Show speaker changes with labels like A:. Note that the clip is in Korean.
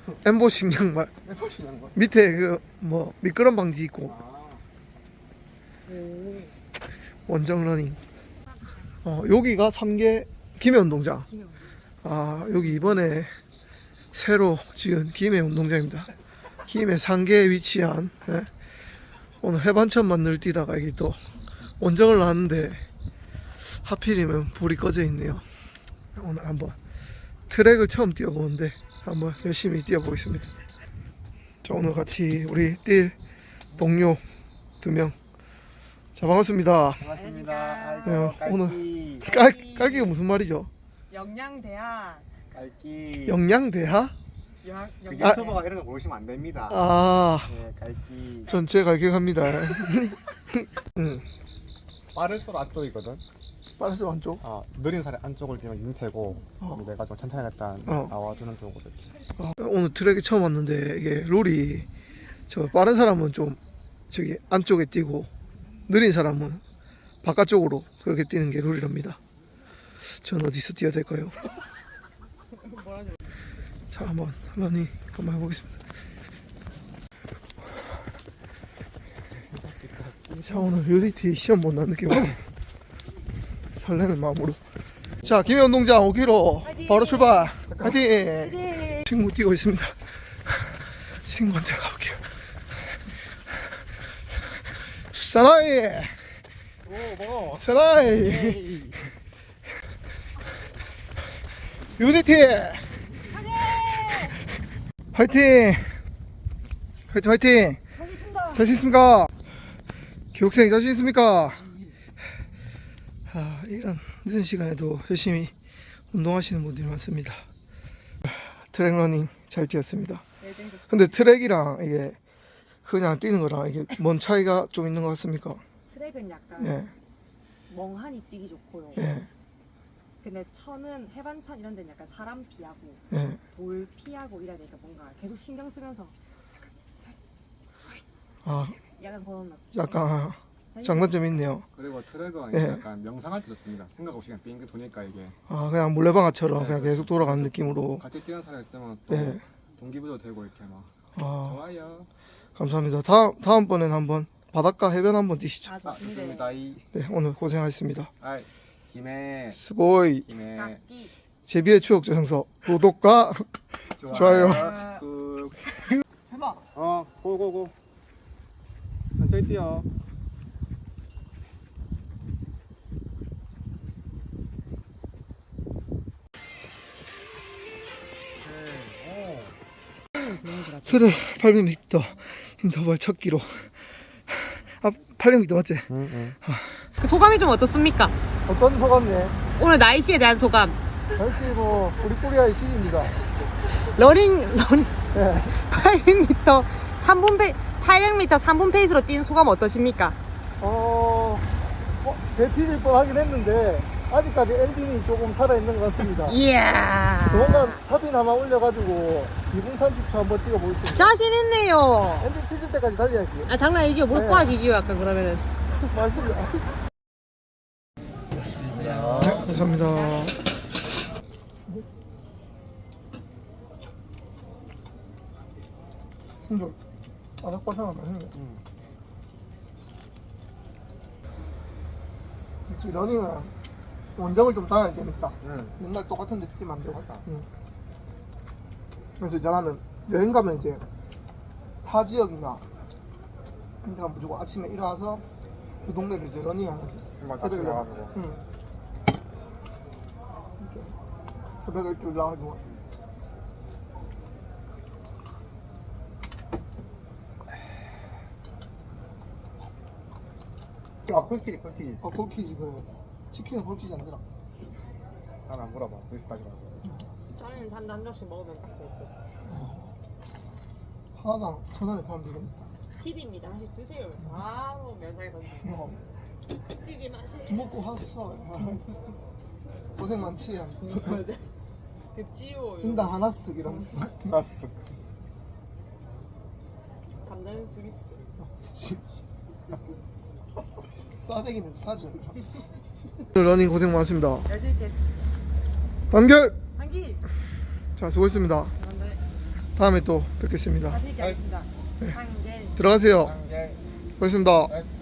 A: 엠보싱 양말.
B: 엠보싱 양말.
A: 밑에 그 뭐 미끄럼 방지 있고. 원정 러닝. 여기가 3개 김해 운동장. 여기 이번에 새로 지은 김해 운동장입니다. 김해 상계에 위치한, 예. 오늘 해반천만 늘 뛰다가 여기 또 원정을 나왔는데 하필이면 불이 꺼져 있네요. 오늘 한번 트랙을 처음 뛰어보는데 한번 열심히 뛰어보겠습니다. 자, 오늘 같이 우리 뛸 동료 2명. 자, 반갑습니다.
B: 반갑습니다.
A: 네, 오늘 깔기가 무슨 말이죠?
C: 영양대학.
B: 깔기.
A: 영양대하?
B: 그 유튜버가 이런 거 모르시면 안 됩니다. 네, 깔기.
A: 전체 갈격합니다.
B: 빠를수록 안쪽이거든.
A: 빠르죠 안쪽?
B: 느린 살의 안쪽을 뛰면 윤태고, 내가 좀 천천히 갔다 나와주는 쪽으로 이렇게.
A: 오늘 트랙에 처음 왔는데 이게 룰이 저 빠른 사람은 좀 저기 안쪽에 뛰고 느린 사람은 바깥쪽으로 그렇게 뛰는 게 룰이랍니다. 전 어디서 뛰어야 될까요? 자, 한번 러닝 한번 해보겠습니다. 자, 오늘 UDT 시험 본다는 느낌으로 설레는 마음으로. 자, 김해 운동장 5km 바로 출발. 화이팅! 친구 뛰고 있습니다. 친구한테 가볼게요. 사나이! 사나이! 유니티! 화이팅! 화이팅 화이팅! 자신 있습니까? 교육생 자신 있습니까? 이런 늦은 시간에도 열심히 운동하시는 분들이 많습니다. 트랙 러닝 잘 뛰었습니다. 근데 트랙이랑 이게 그냥 뛰는 거랑 이게 뭔 차이가 좀 있는 것 같습니까?
C: 트랙은 약간 멍하니 뛰기 좋고요. 근데 천은 해반천 이런 데는 약간 사람 피하고 돌 피하고 이래야 되니까 뭔가 계속 신경 쓰면서 약간 그런
A: 약간 장단점이 있네요.
B: 그리고 트랙은 약간 명상할 때 좋습니다. 생각 없이 그냥 빙빙 도니까 이게.
A: 그냥 물레방아처럼 그냥 계속 돌아가는 느낌으로.
B: 같이 뛰는 사람 있으면 또 동기부여 되고 이렇게 막. 좋아요.
A: 감사합니다. 다음번에는 한번 바닷가 해변 한번 뛰시죠.
B: 좋습니다.
A: 네, 오늘 고생하셨습니다.
B: 김해.
A: 스보이.
B: 김해.
A: 제비의 추억 저장소 구독과 좋아요.
C: 해봐.
B: 고고고. 천천히 뛰어.
A: 트랙 800m 인터벌 첫 기록. 800m 맞지?
C: 그 소감이 좀 어떻습니까?
A: 어떤 소감이네?
C: 오늘 날씨에 대한 소감.
A: 날씨 뭐 우리코리아의 시기입니다.
C: 러닝
A: 800m
C: 3분 페이스로 뛴 소감 어떠십니까?
A: 배 뒤질 뻔하긴 했는데 아직까지 엔진이 조금 살아있는 것 같습니다.
C: 이야.
A: 조만간 사진 하나 올려가지고 2분 30초 한번 찍어보겠습니다.
C: 자신 있네요.
A: 엔진 뒤질 때까지 달려야지.
C: 장난 아니죠? 무릎 꿇어지지요 약간 그러면은.
A: 맞습니다. 네, 감사합니다. 순돌 바삭바삭한 맛있네. 역시 러닝은 원정을 좀 다녀야 재밌다. 맨날 똑같은 데 뛰면 안 되고. 그래서 이제 나는 여행 가면 이제 타 지역이나 그러니까 무조건 아침에 일어나서 그 동네를 이제 러닝하는 거지. 새벽에 일어나가지고. 새벽에 일찍 일어나가지고.
B: 콜키지.
A: 콜키지 그래. 치킨은 콜키지 안 되나?
B: 난 안 물어봐. 여기까지만.
C: 저는 잔도 한 잔씩 먹으면 딱 되고.
A: 하나당 1,000원에 팔면 되겠다.
C: 팁입니다. 하나씩 드세요. 바로 면상에 던지고. 뛰지 마세요.
A: 먹고 왔어. 고생 많지.
C: 덥지요.
A: 인당 하나 쓱 이러면서.
B: 알았어.
C: 감자는 스위스.
A: 싸대기는 싸죠. 러닝 고생 많았습니다.
C: 열심히 했습니다.
A: 단결.
C: 한기.
A: 자, 수고했습니다. 다음에 또 뵙겠습니다.
C: 자신 있게 하겠습니다.
A: 네.
C: 한개
A: 들어가세요.
B: 한 개.
A: 고맙습니다.
B: 네.